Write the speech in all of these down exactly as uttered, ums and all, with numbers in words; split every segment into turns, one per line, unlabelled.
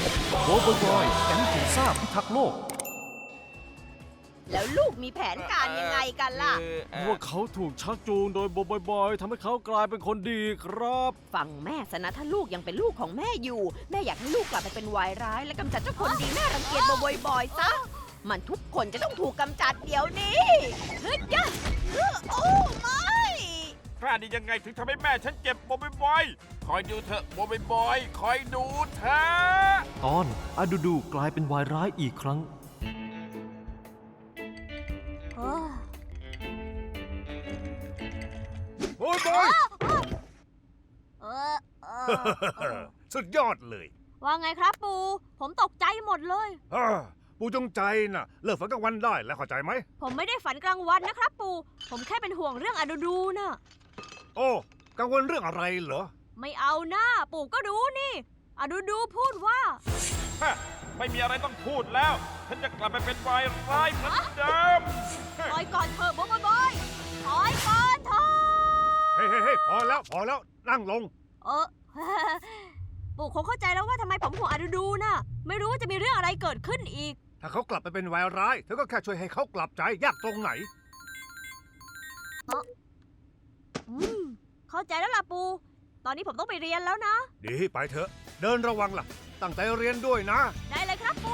โบบอยบอยแก๊งผีซ่าพิทักษ์โลก
แล้วลูกมีแผนการยังไงกันล่ะ
ว่าเขาถูกชักจูงโดยโบบอยบอยทำให้เขากลายเป็นคนดีครับ
ฟังแม่ซะนะถ้าลูกยังเป็นลูกของแม่อยู่ แม่อยากให้ลูกกลับไปเป็นวายร้าย และกำจัดเจ้าคนดีแม่รังเกียจบ่อยๆซะมันทุกคนจะต้องถูกกำจัดเดี๋ยวนี้เฮ้ยยะโอ้ไม่
กล้าดียังไงถึงทำให้แม่ฉันเจ็บบ่อยๆคอยดูเถอะบ่อยๆคอยดูเถอะ
ตอนอาดูดูกลายเป็นวายร้ายอีกครั้ง
โอ้ยบอย
เออเออ
สุดยอดเลย
ว่าไงครับปูผมตกใจหมดเลย
อ่าปูจงใจน่ะเลิกฝันกลางวันได้แล้วเข้าใจไหม
ผมไม่ได้ฝันกลางวันนะครับปูผมแค่เป็นห่วงเรื่องอดูดูนะ
โอ้กังวลเรื่องอะไรเหรอ
ไม่เอาหน้าปู่ก็รู้นี่อดูดูพูดว่า
ฮะไม่มีอะไรต้องพูดแล้วฉันจะกลับไปเป็นวายร้ายเหมือนเดิม
ปล่อยก่อนเถอะบอยบอยปล่อยก่อนเถอะ
เฮ้ยเฮ้ยเฮ้ยพอแล้วพอแล้วนั่งลง
เออ ปู่คงเข้าใจแล้วว่าทำไมผมห่วงอดูดูนะไม่รู้ว่าจะมีเรื่องอะไรเกิดขึ้นอีก
ถ้าเขากลับไปเป็นวายร้ายเธอก็แค่ช่วยให้เขากลับใจยากตรงไหน
อืมเข้าใจแล้วล่ะปูตอนนี้ผมต้องไปเรียนแล้วนะ
ดีไปเถอะเดินระวังล่ะตั้งใจเรียนด้วยนะ
ได้เลยครับปู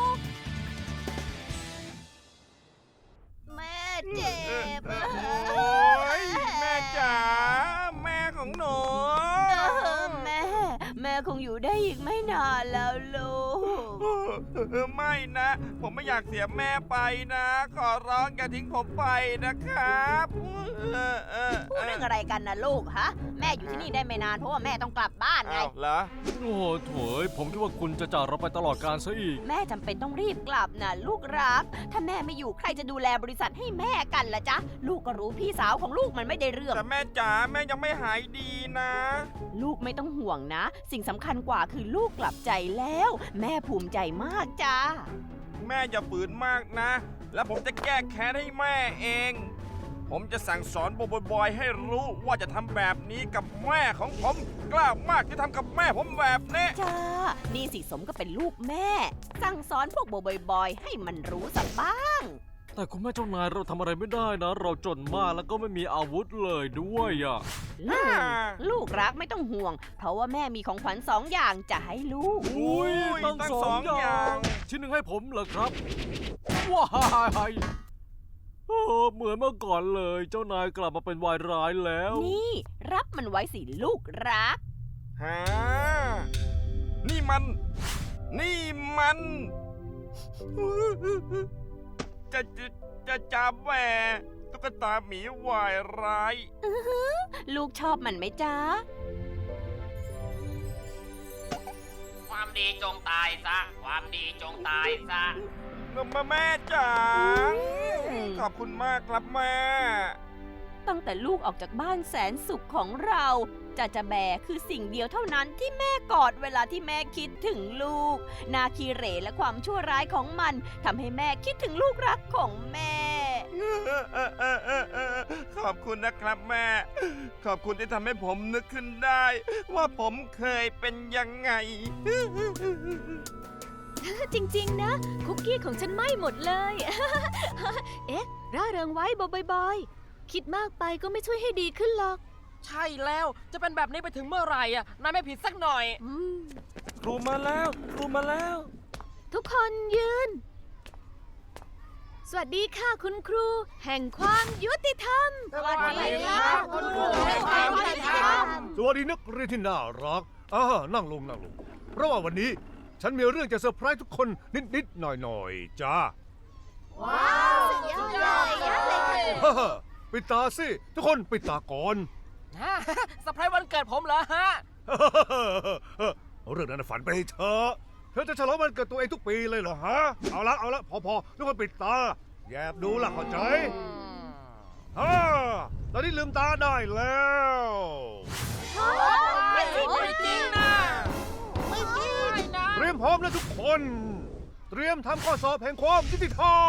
แม่เจ็บ
โอ้ยแม่จ๋าแม่ของหนู
แม่แม่คงอยู่ได้อีกไม่นานแล้วลูก
ไม่นะ ผมไม่อยากเสียแม่ไปนะ ขอร้องอย่าทิ้งผมไปนะครับ
พูดเรื่องอะไรกันนะลูกฮะแม่อยู่ที่นี่ได้ไม่นานเพราะว่าแม่ต้องกลับบ้านไง
อ้าวเหรอ
โอ้โหโถยผมคิดว่าคุณจะจากเราไปตลอดกาลซะอีก
แม่จำเป็นต้องรีบกลับนะลูกรัก ถ้าแม่ไม่อยู่ใครจะดูแลบริษัทให้แม่กันล่ะจ๊ะลูกก็รู้พี่สาวของลูกมันไม่ได้เรื่อง
แต่แม่จ๋าแม่ยังไม่หายดีนะ
ลูกไม่ต้องห่วงนะ สิ่งสำคัญกว่าคือลูกกลับใจแล้ว แม่ภูมิใจมากจ้า
แม่อย่าฝืนมากนะ แล้วผมจะแก้แค้นให้แม่เอง ผมจะสั่งสอนบอยๆให้รู้ว่าจะทำแบบนี้กับแม่ของผม กล้ามากที่ทำกับแม่ผมแบบนี้
จ้า นี่สิสมก็เป็นลูกแม่ สั่งสอนพวกบอยๆให้มันรู้สักบ้าง
แต่คุณแม่เจ้านายเราทำอะไรไม่ได้นะ เราจนมากแล้วก็ไม่มีอาวุธเลยด้วยอ่ะ
ลูกลูกรักไม่ต้องห่วง เพราะว่าแม่มีของขวัญสองอย่างจะให้ลูก
อุ้ยตั้งสองอย่างชิ้นหนึ่งให้ผมเหรอครับว้ายเออเหมือนเมื่อก่อนเลยเจ้านายกลับมาเป็นวายร้ายแล้ว
นี่ รับมันไว้สิลูกรัก
ฮะนี่มัน นี่มัน จะจะจะจับแหวตุ๊กตาหมีวายร้าย
ลูกชอบมันไหมจ๊ะ
ความดีจงตายซะ ความดีจงตายซะ
มาแม่จ๋า
อืม
ขอบคุณมากครับแม่
ตั้งแต่ลูกออกจากบ้านแสนสุขของเราจะจะแบคือสิ่งเดียวเท่านั้นที่แม่กอดเวลาที่แม่คิดถึงลูก นาคีเหรและความชั่วร้ายของมันทำให้แม่คิดถึงลูกรักของแม่
ขอบคุณนะครับแม่ ขอบคุณที่ทำให้ผมนึกขึ้นได้ ว่าผมเคยเป็นยังไง
จริงๆนะคุกกี้ของฉันไหม้หมดเลย เอ๊ะร่าเริงไว้บอยๆคิดมากไปก็ไม่ช่วยให้ดีขึ้นหรอก
ใช่แล้ว จะเป็นแบบนี้ไปถึงเมื่อไหร่อ่ะ นายไม่ผิดสักหน่อย
อืม
ครูมาแล้วครูมาแล้ว
ทุกคนยืน สวัสดีค่ะคุณครู แห่งความยุติธรรม
สวัสดีครับคุณครูแห่งความยุติธรรม
สวัสดีนักเรียนที่น่ารักอ่านั่งลงนั่งลงเพราะว่าวันนี้ฉันมีเรื่องจะเซอร์ไพรส์ทุกคนนิดๆหน่อยๆจ้า
ว้าวสุดยอดเลยยอดเลยค่ะ
ฮ่าฮ่าปิดตาสิทุกคนปิดตาก่อน
ฮะสไพรส์วันเกิดผมเหรอฮะ
เรื่องนั้นฝันไปให้เธอเธอจะฉลองวันเกิดตัวเองทุกปีเลยเหรอฮะเอาละเอาละพอพอทุกคนปิดตาแยบดูล่ะเข้าใจฮ่าตอนนี้ลืมตาได้แล้ว
ไม่จริงไม่จริงนะ
ไม่จริง
เตรียมพร้อมแล้วทุกคน เตรียมทำข้อสอบแห่งความยุติธรร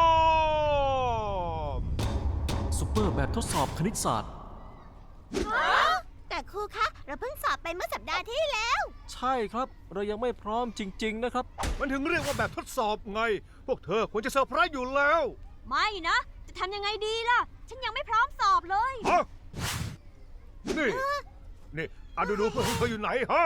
ม
ซุปเปอร์แบบทดสอบคณิตศาสตร์
แต่
ครูคะ เราเพิ่งสอบไปเมื่อสัปดาห์ที่แล้ว
ใช่ครับ เรายังไม่พร้อมจริง ๆ นะครับ
มันถึงเรียกว่าแบบทดสอบไง พวกเธอควรจะเซอร์ไพรส์อยู่แล้ว
ไม่นะ จะทำยังไงดีล่ะ ฉันยังไม่พร้อมสอบเลย
ฮะ นี่ นี่อะดูดูเพื่อนของเธออยู่ไหนฮะ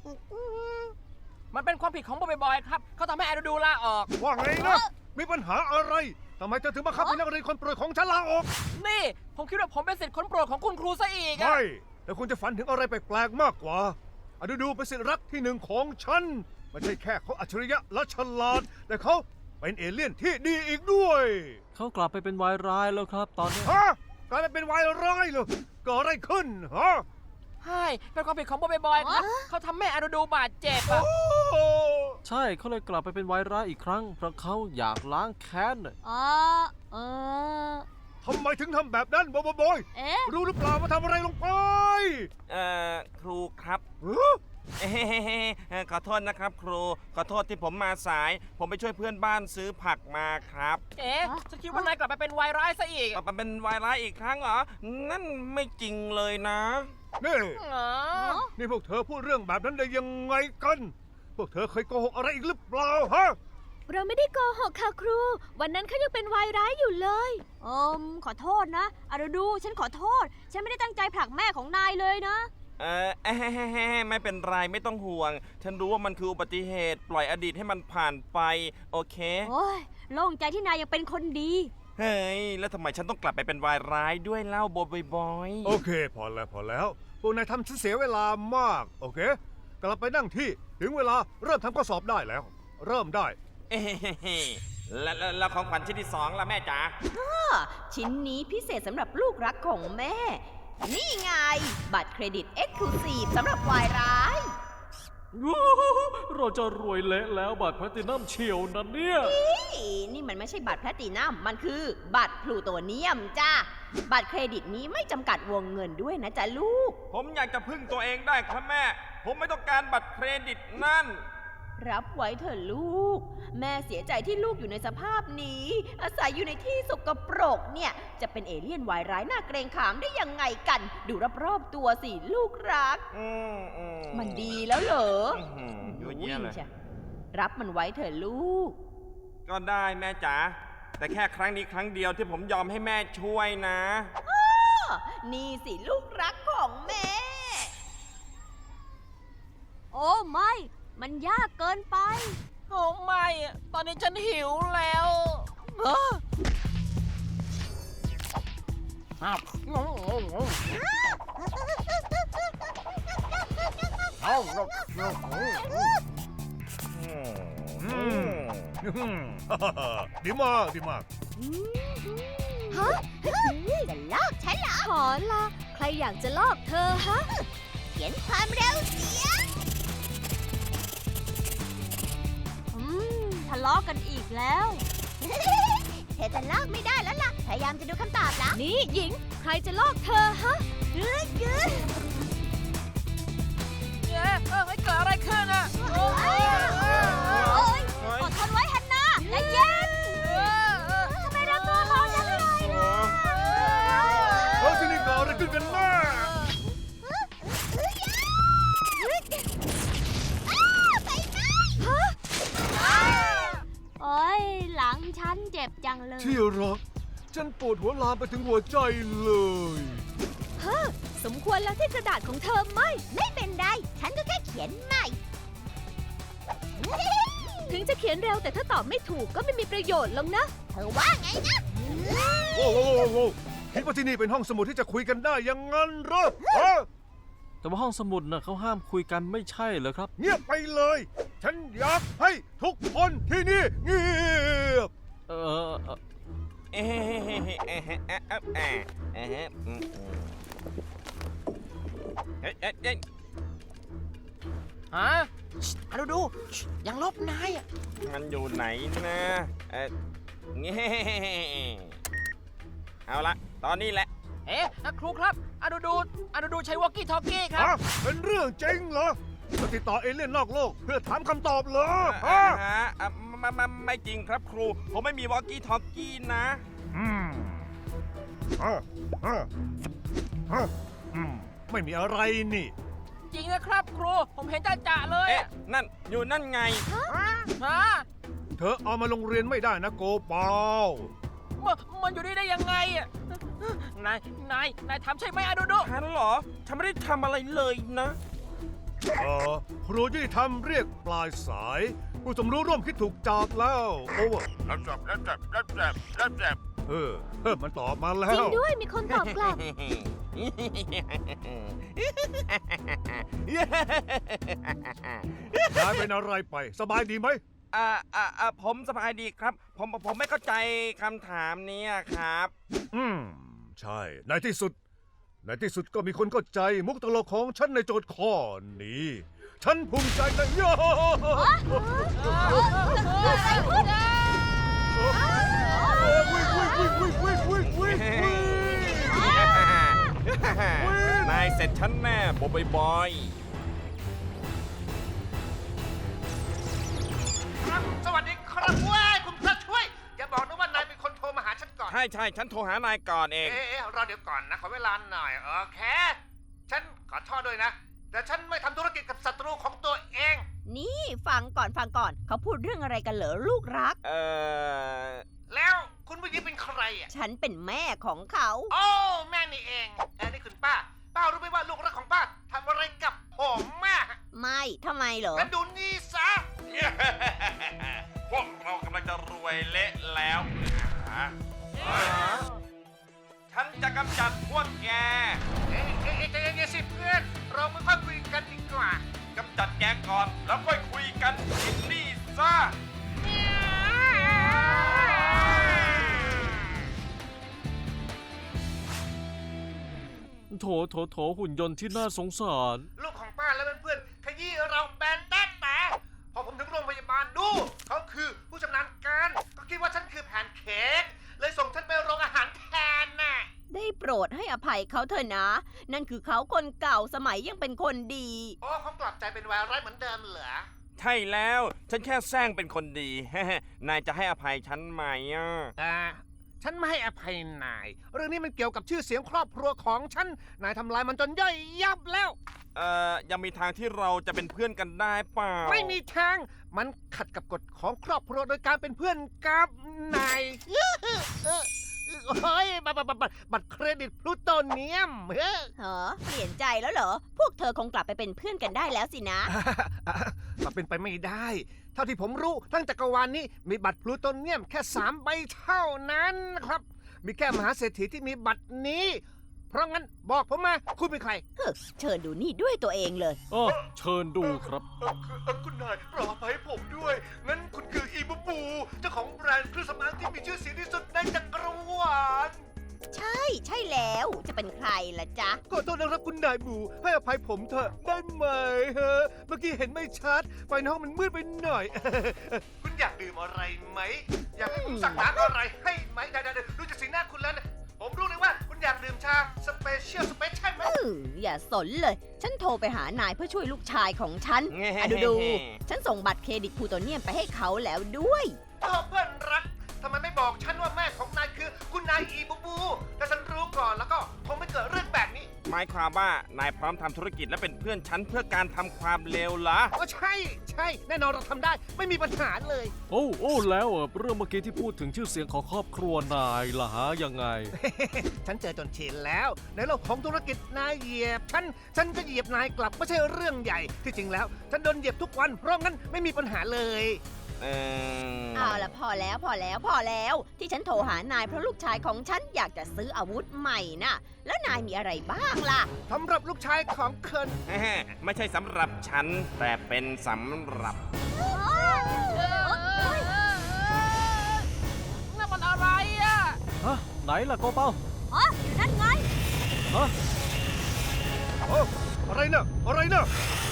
มันเป็นความผิดของบอยบอยครับ เขาทำให้อาดูดูลาออก
ว่าไงนะ มีปัญหาอะไร ทำไมเธอถึงบังคับให้นักเรียนคนโปรดของฉันลาออก
นี่ ผมคิดว่าผมเป็นสิทธิ์คนโปรดของคุณครูซะอีกอะ
ไม่ แต่คุณจะฝันถึงอะไรแปลกๆมากกว่าอะดูดูเป็นสิทธิรักที่หนึ่งของฉัน ไม่ใช่แค่เขาอัจฉริยะและฉลาด แต่เขาเป็นเอเลี่ยนที่ดีอีกด้วย
เขากลับไปเป็นวายร้ายแล้วครับ ตอนนี้
ฮะ กลายเป็นวายร้ายเลยเกิดอะไรขึ้นฮะ
ใช่เป็นความผิดของบอยบอยครับ เขาทำแม่อาดูดูบาดเจ็บอะ
โอ้
ใช่เขาเลยกลับไปเป็นวายร้ายอีกครั้ง เพราะเขาอยากล้างแค้นน่ะ
อ๋อ เออ
ทำไมถึงทำแบบนั้นบอยบอย
เอ๊ะ
รู้หรือเปล่าว่าทำอะไรลงไป
เอ่อ ครูครับ
ฮะ
เอ้ยขอโทษนะครับครู ขอโทษที่ผมมาสาย ผมไปช่วยเพื่อนบ้านซื้อผักมาครับ
เอ๊ะฉันคิดว่านายกลับไปเป็นวายร้ายซะอีก
มาเป็นวายร้ายอีกครั้งเหรอ นั่นไม่จริงเลยนะ
นี่
อ๋อ
นี่พวกเธอพูดเรื่องแบบนั้นได้ยังไงกัน พวกเธอเคยโกหกอะไรอีกหรือเปล่าฮะ
เราไม่ได้โกหกค่ะครู วันนั้นเขายังเป็นวายร้ายอยู่เลย
เอิมขอโทษนะอาดูดูฉันขอโทษ ฉันไม่ได้ตั้งใจผลักแม่ของนายเลยนะ
เออเอ้ยไม่เป็นไรไม่ต้องห่วง ฉันรู้ว่ามันคืออุบัติเหตุ ปล่อยอดีตให้มันผ่านไป โอเค
โอ้ยโล่งใจที่นายยังเป็นคนดี
เฮ้ย แล้วทำไมฉันต้องกลับไปเป็นวายร้ายด้วยเล่าบอยบอย
โอเค พอแล้วพอแล้ว พวกนายทำฉันเสียเวลามาก โอเค กลับไปนั่งที่ถึงเวลาเริ่มทำข้อสอบได้แล้ว เริ่มได้
เอ้ยแล้วแล้วแล้วของขวัญชิ้นที่สองล่ะแม่จ๋า
ชิ้นนี้พิเศษสำหรับลูกรักของแม่ นี่ไง บัตรเครดิต Exclusive สำหรับวายร้าย
เราจะรวยเละแล้วบัตรแพลตินัมเชียวนะเนี่ย
นี่นี่มันไม่ใช่บัตรแพลตินัม มันคือบัตรพลูโตเนียมจ้า บัตรเครดิตนี้ไม่จำกัดวงเงินด้วยนะจ๊ะลูก
ผมอยากจะพึ่งตัวเองได้ครับแม่ ผมไม่ต้องการบัตรเครดิตนั่น
รับไว้เถอะลูก แม่เสียใจที่ลูกอยู่ในสภาพนี้ อาศัยอยู่ในที่สกปรกเนี่ย จะเป็นเอเลี่ยนวายร้ายน่าเกรงขามได้ยังไงกัน ดูรอบๆตัวสิลูกรัก
อืมอืม
มันดีแล้วเหรอ
อื้อหือยั่วเยี่ยเลย
จ้ะรับมันไว้เถอะลูก
ก็ได้แม่จ๋า แต่แค่ครั้งนี้ครั้งเดียวที่ผมยอมให้แม่ช่วยนะ
นี่สิลูกรักของแม่ โอ้ไม่ มันยากเกินไป
โอ้ไม่อะตอนนี้ฉันหิวแล้ว
เออ
อ้าว
อืม ดีมากดีมาก
ฮะ
จะลอกฉันเหรอ
ขอละใครอยากจะลอกเธอฮะ
เขียนความเร็วเสียง
อืมทะเลาะกันอีกแล้ว
เธอจะลอกไม่ได้แล้วล่ะ พยายามจะดูคำตอบแล้ว
นี่หญิง ใครจะลอกเธอฮะ
กึ๊ดกึ๊ด
เอ๊ะเอ้ยเกิดอะไรขึ้นอะโอ้ย
โอ้ยอดทนไว้ฮันนาใจเย็น ทำไมเราตัวร้อนจังเลยล่ะ
เฮ้ยที่นี่เกิดอะไรขึ้นกันแน่
โอ้ยหลังฉันเจ็บจังเลย
ที่รัก ฉันปวดหัวลามไปถึงหัวใจเลย
สมควรแล้วที่กระดาษของเธอไหม
ไม่เป็นไร ฉันก็แค่เขียนใหม่
ถึงจะเขียนเร็วแต่ถ้าตอบไม่ถูกก็ไม่มีประโยชน์หรอกนะ
เธอว่าไงนะ
โอ้โหโอ้โหคิดว่าที่นี่เป็นห้องสมุดที่จะคุยกันได้อยังงั้นเหรอฮะ
แต่ว่าห้องสมุดน่ะเขาห้ามคุยกันไม่ใช่เหรอครับ
เงียบไปเลย ฉันอยากให้ทุกคนที่นี่เงียบ
เออเอ่อ
เอ้ยเอ้ยเอ้ยเอ้ยเอ้ยเอ้ยเอ้ยเอ้ยอืมอืมเอ้ยเอ้ยเอ้ย
ฮะอาดูดูยังลบนายอะ
มันอยู่ไหนนะเอ้ยเงี้เอาละ ตอนนี้แหละ
เอ๊ะครูครับอาดูดูอาดูดูใช้วอกกี้ทอกกี้ครับ
ฮะเป็นเรื่องจริงเหรอมาติดต่อเอเลี่ยนนอกโลก เพื่อถามคำตอบเหรอ
อ่า
ฮะ
ฮะอ่ะไม่ไม่ไม่จริงครับครู ผมไม่มีวอกกี้ทอกกี้นะ
อืมฮะฮะฮะอืมไม่มีอะไรนี่
จริงนะครับครู ผมเห็นจ่าจ่าเลย
เอ๊ะ นั่น อยู่นั่นไง
ฮะ
เธอเอามาโรงเรียนไม่ได้นะโกเปา
มันมันอยู่นี่ได้ยังไงอะนาย นาย นายทำใช่ไหมอะโดโด
ฉันเหรอ ฉันไม่ได้ทำอะไรเลยนะ
เออครูยุติธรรมเรียกปลายสาย ผู้สมรู้ร่วมคิดถูกจับแล้วโอ้
รับจับรับจับรับจับรับจับ
เออเออมันตอบมาแล้
จริง
ว
ด้วยมีคนตอบกลับ
นายเป็นอะไรไป สบายดีไหม
อ่าอ่าอ่าผมสบายดีครับ ผมผมไม่เข้าใจคำถามเนี้ยครับ
อืม ใช่ ในที่สุด ในที่สุดก็มีคนเข้าใจมุกตลกของฉันในโจทย์ข้อนี้ ฉันภูมิใจนะโย่วิ่งวิ่งวิ่งวิ่งวิ่งวิ่งวิ่งวิ่ง
นายเสร็จฉันแน่บอยบอย
ครับสวัสดีครับเว้ยคุณพระช่วย อย่าบอกนะว่านายเป็นคนโทรมาหาฉันก่อน
ใช่ใช่ฉันโทรหานายก่อนเอง
เอ๊ะเอ๊ะรอเดี๋ยวก่อนนะ ขอเวลาหน่อย โอเค ฉันขอโทษด้วยนะ แต่ฉันไม่ทำธุรกิจกับศัตรูของตัวเอง
นี่ฟังก่อนฟังก่อน เขาพูดเรื่องอะไรกันเหรอลูกรัก
เออ
แล้วคุณผู้หญิงเป็นใครอ่ะ
ฉันเป็นแม่ของเขา
โอ้แม่นี่เองเอ้นี่คุณป้า ป้ารู้ไหมว่าลูกรักของป้าทำอะไรกับผมแม่
ไม่ทำไมเหรอ
งั้นดูนี่ซะ
พวกเรากำลังจะรวยเละแล้วนะฉันจะกำจัดพวกแก
เอ๊ะเอ๊ะเอ๊ะใจเย็นๆสิเพื่อน เราไม่ค่อยคุยกันดีกว่า
กำจัดแกก่อน แล้วค่อยคุยกันอินนี่ซะ
โถโถโถหุ่นยนต์ที่น่าสงสาร
ลูกของป้าและเพื่อนๆขยี้เราแบนแต๊ดแต่พอผมถึงโรงพยาบาลดู เขาคือผู้ชำนาญการ ก็คิดว่าฉันคือแพนเค้กเลยส่งฉันไปโรงอาหารแทนน่ะ
ได้โปรดให้อภัยเขาเถอะนะ นั่นคือเขาคนเก่าสมัยยังเป็นคนดี
โอ้เขากลับใจเป็นวายร้ายเหมือนเดิมเหรอ
ใช่แล้ว ฉันแค่แซงเป็นคนดี นายจะให้อภัยฉันไหมอ่ะ
อ่า ฉันไม่ให้อภัยนาย เรื่องนี้มันเกี่ยวกับชื่อเสียงครอบครัวของฉัน นายทำลายมันจนย่อยยับแล้ว
เอ่อ ยังมีทางที่เราจะเป็นเพื่อนกันได้เปล่า
ไม่มีทาง มันขัดกับกฎของครอบครัวโดยการเป็นเพื่อนกับนายเฮ้ยบัตรบัตรบัตรบัตรเครดิตพลูโตเนียมเฮ้ย
เหรอ เปลี่ยนใจแล้วเหรอ พวกเธอคงกลับไปเป็นเพื่อนกันได้แล้วสินะ
มันเป็นไปไม่ได้ เท่าที่ผมรู้ทั้งจักรวาลนี้มีบัตรพลูโตเนียมแค่สามใบเท่านั้นนะครับ มีแค่มหาเศรษฐีที่มีบัตรนี้ เพราะงั้นบอกผมมาคุณเป็นใคร
เฮ้อเชิญดูนี่ด้วยตัวเองเลย
อ้อเชิญดูครับ
เอ่อคือเอ่อคุณนายรอไปให้ผมด้วย งั้นคุณคืออีบูบู เจ้าของแบรนด์เครื่องสำอางที่มีชื่อเสียงที่สุดในจักรวาล
ใช่ ใช่แล้ว จะเป็นใครล่ะจ๊ะ
ขอโทษนะครับคุณนายบู ให้อภัยผมเถอะได้ไหมฮะ เมื่อกี้เห็นไม่ชัด ไฟในห้องมันมืดไปหน่อย คุณอยากดื่มอะไรไหม อยากให้ผมสั่งน้ำอะไรให้ไหมได้ๆๆดูจากสีหน้าคุณแล้วนะผมรู้เลยว่าคุณอยากดื่มชาสเปเชียลสเปเชียลไหม
อืออย่าสนเลย ฉันโทรไปหานายเพื่อช่วยลูกชายของฉัน
แง่
อะดูดูฉันส่งบัตรเครดิตพลูโตเนียมไปให้เขาแล้วด้วย
โอ้เพื่อนรัก ทำไมไม่บอกฉันว่าแม่ของนายคือคุณนายอีบูบูถ้าฉันรู้ก่อนแล้วก็คงไม่เกิดเรื่องแบบนี้
หมายความว่านายพร้อมทำธุรกิจและเป็นเพื่อนฉันเพื่อการทำความเลวเหรอ
ก็ใช่ ใช่ แน่นอนเราทำได้ ไม่มีปัญหาเลย
โอ้โอ้แล้วอ่ะเรื่องเมื่อกี้ที่พูดถึงชื่อเสียงของครอบครัวนายล่ะฮะยังไง
ฉันเจอจนชินแล้ว ในโลกของธุรกิจนายเหยียบฉัน ฉันก็เหยียบนายกลับไม่ใช่เรื่องใหญ่ ที่จริงแล้ว ฉันโดนเหยียบทุกวัน เพราะงั้นไม่มีปัญหาเลย
เออ
เอาละพอแล้วพอแล้วพอแล้ว ที่ฉันโทรหานายเพราะลูกชายของฉันอยากจะซื้ออาวุธใหม่น่ะ แล้วนายมีอะไรบ้างล่ะ
สำหรับลูกชายของเคิน
ไม่ใช่สำหรับฉัน แต่เป็นสำหรับ
นั่นมันอะไรอ่ะ
ฮะ ไหนล่ะโกเป้า
อ๋ออยู่นั่นไง
ฮะ
โอ้อะไรนะอะไรนะ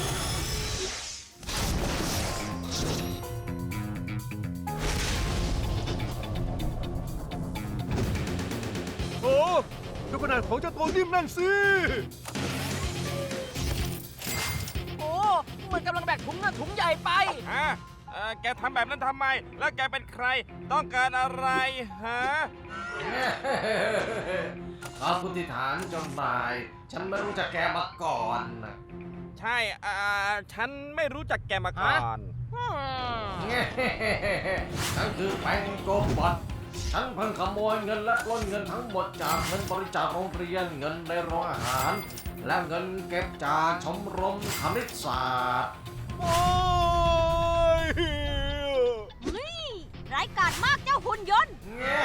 โอ้ดูขนาดของเจ้าตัวนิ่มนั่นสิ
โอ้ มันกำลังแบกถุงน่ะถุงใหญ่ไป
ฮะ เออ่อแกทำแบบนั้นทำไม แล้วแกเป็นใคร ต้องการอะไรฮะ
ขอบคุณที่ฐานเจ้านาย ฉันไม่รู้จักแกมาก่อนนะ
ใช่อ่าฉันไม่รู้จักแกมาก่อน
ฉันคือแปงโกบอทฉันเพิ่งขโมยเงินและปล้นเงินทั้งหมดจากเงินบริจาคโรงเรียน เงินในโรงอาหาร และเงินเก็บจากชมรมคณิตศาสตร์
โอ้ย
นี่ร้ายกาจมากเจ้าหุ่นยนต์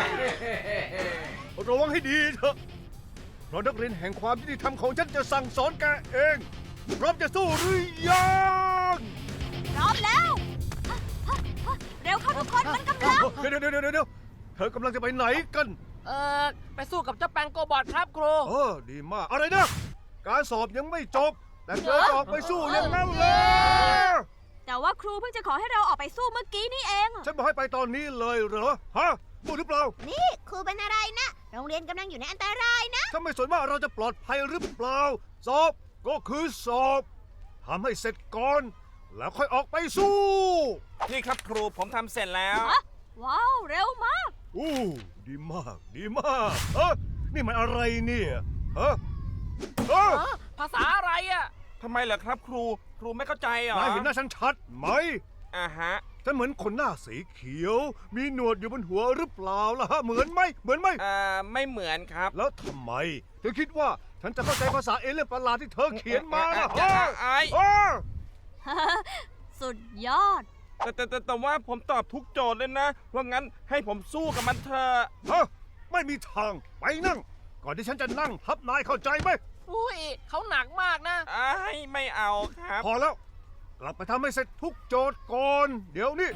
ระวังให้ดีเถอะเพราะนักเรียนแห่งความยุติธรรมของฉันจะสั่งสอนแกเองพร้อมจะสู้หรือยัง
พร้อมแล้วฮะฮะฮะเร็วเข้าทุกคนมันกำลัง
เดี๋ยวเดี๋ยวเดี๋ยวเดี๋ยวเธอกำลังจะไปไหนกัน
เออไปสู้กับเจ้าแปงโกบอทครับครู
เออดีมากอะไรนะ การสอบยังไม่จบ แต่เธอจะออกไปสู้อย่างนั้นเลย
แต่ว่าครูเพิ่งจะขอให้เราออกไปสู้เมื่อกี้นี่เอง
ฉันบอกให้ไปตอนนี้เลยเหรอฮะพูดหรือเปล่า
นี่ครูเป็นอะไรนะ โรงเรียนกำลังอยู่ในอันตรายนะ
ถ้าไม่สนว่าเราจะปลอดภัยหรือเปล่า สอบก็คือสอบทำให้เสร็จก่อน แล้วค่อยออกไปสู้
นี่ครับครูผมทำเสร็จแล้ว
ฮะ ว้าว เร็วมาก
อู้ดีมาก ดีมากเฮ้นี่มันอะไรเนี่ยฮะเอ้อ
ภาษาอะไรอ่ะ
ทำไมเหรอครับครู ครูไม่เข้าใจเหรอน
ายเห็นหน้าฉันชัดไหม
อ่าฮะ
ฉันเหมือนคนหน้าสีเขียว มีหนวดอยู่บนหัวหรือเปล่าล่ะฮะ เหมือนไหม เหมือนไหม
เอ่อ ไม่เหมือนครับ
แล้วทำไม เธอคิดว่าฉันจะเข้าใจภาษาเอเลี่ยนประหลาดที่เธอเขียนมาล่ะ
อ่ะ
ฮะ
อ่ะไอ้
อ้อ
สุดยอด
แต่แต่แต่แต่ว่าผมตอบทุกโจทย์เลยนะ ว่างั้นให้ผมสู้กับมันเถอะ
ฮะไม่มีทาง ไปนั่ง ก่อนที่ฉันจะนั่งทับนายเข้าใจไหม
อุ้ยเขาหนักมากนะ
ไอ้ไม่เอาครับ
พอแล้ว กลับไปทำให้เสร็จทุกโจทย์ก่อน เดี๋ยวนี้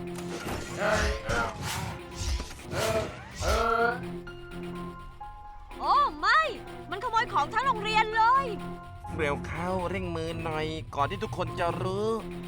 โอ้ไม่ มันขโมยของทั้งโรงเรียนเลย
เร็วเข้าเร่งมือหน่อย ก่อนที่ทุกคนจะรู้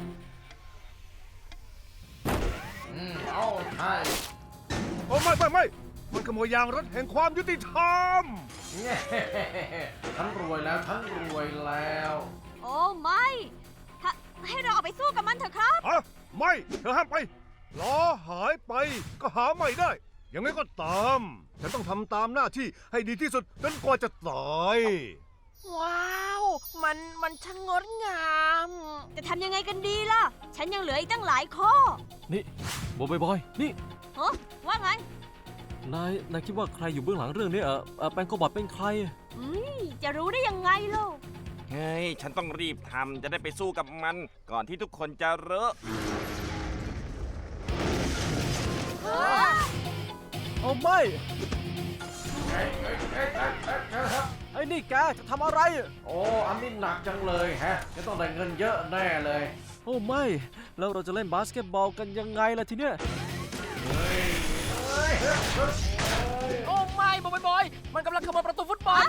อืมเอาใช่
โอ้ไม่ไม่ไม่มันขโมยยางรถแห่งความยุติธรรม
ฉันรวยแล้ว ฉันรวยแล้ว
โอ้ไม่ถ้าให้เราออกไปสู้กับมันเถอะครับ
ฮะไม่ เธอห้ามไปล้อหายไปก็หาไม่ได้ ยังไงก็ตาม ฉันต้องทำตามหน้าที่ให้ดีที่สุดจนกว่าจะตาย
ว้าว มันมันช่างงดงาม
จะทำยังไงกันดีล่ะ ฉันยังเหลืออีกตั้งหลายข้อ
นี่บอยบอย นี่
ฮะว่าไง
นาย นายคิดว่าใครอยู่เบื้องหลังเรื่องนี้เออเอ่อแปงโกบอทเป็นใคร
อืมจะรู้ได้ยังไงล่ะ
เฮ้ย ฉันต้องรีบทำจะได้ไปสู้กับมัน ก่อนที่ทุกคนจะรู้
เอาไม่ ไอ้นี่แกจะทำอะไร
โอ้ อันนี้หนักจังเลยแฮะ จะต้องได้เงินเยอะแน่เลย
โอ้ไม่ แล้วเราจะเล่นบาสเกตบอลกันยังไงล่ะทีเนี้ย
โอ้ไม่บอยบอย มันกำลังขโมยประตูฟุตบอล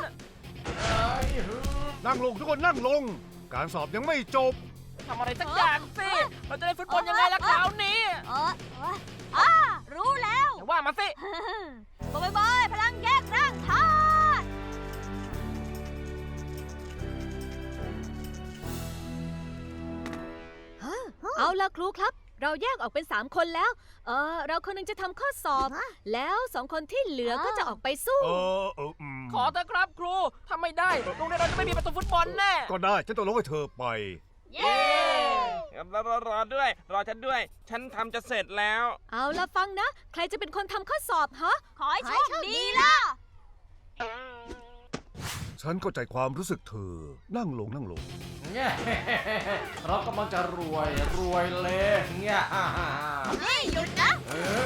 นั่งลงทุกคนนั่งลง การสอบยังไม่จบ
ทำอะไรสักอย่างสิ เราจะได้ฟุตบอลยังไงล่ะคราวนี้
เออเอออ่ารู้แล้ว
แต่ว่ามาสิ
บอยบอย พลังแยกร่างธาตุ
เอาล่ะครูครับ เราแยกออกเป็นสามคนแล้ว เออเราคนหนึงจะทำข้อสอบ แล้วสองคนที่เหลือก็จะออกไปสู้
เออเอออืม
ขอเถอะครับครูถ้าไม่ได้โรงเรียนเราจะไม่มีประตูฟุตบอลแน่
ก็ได้ฉันต้องลงให้เธอไป
เย้
รอรอรอด้วย รอฉันด้วย ฉันทำจะเสร็จแล้ว
เอาล่ะฟังนะ ใครจะเป็นคนทำข้อสอบฮะ
ขอให้โชคดีล่ะ
ฉันเข้าใจความรู้สึกเธอ นั่งลงนั่งลง
เรากำลังจะรวย รวยเลยเนี่ย
นี่หยุดนะ
เออ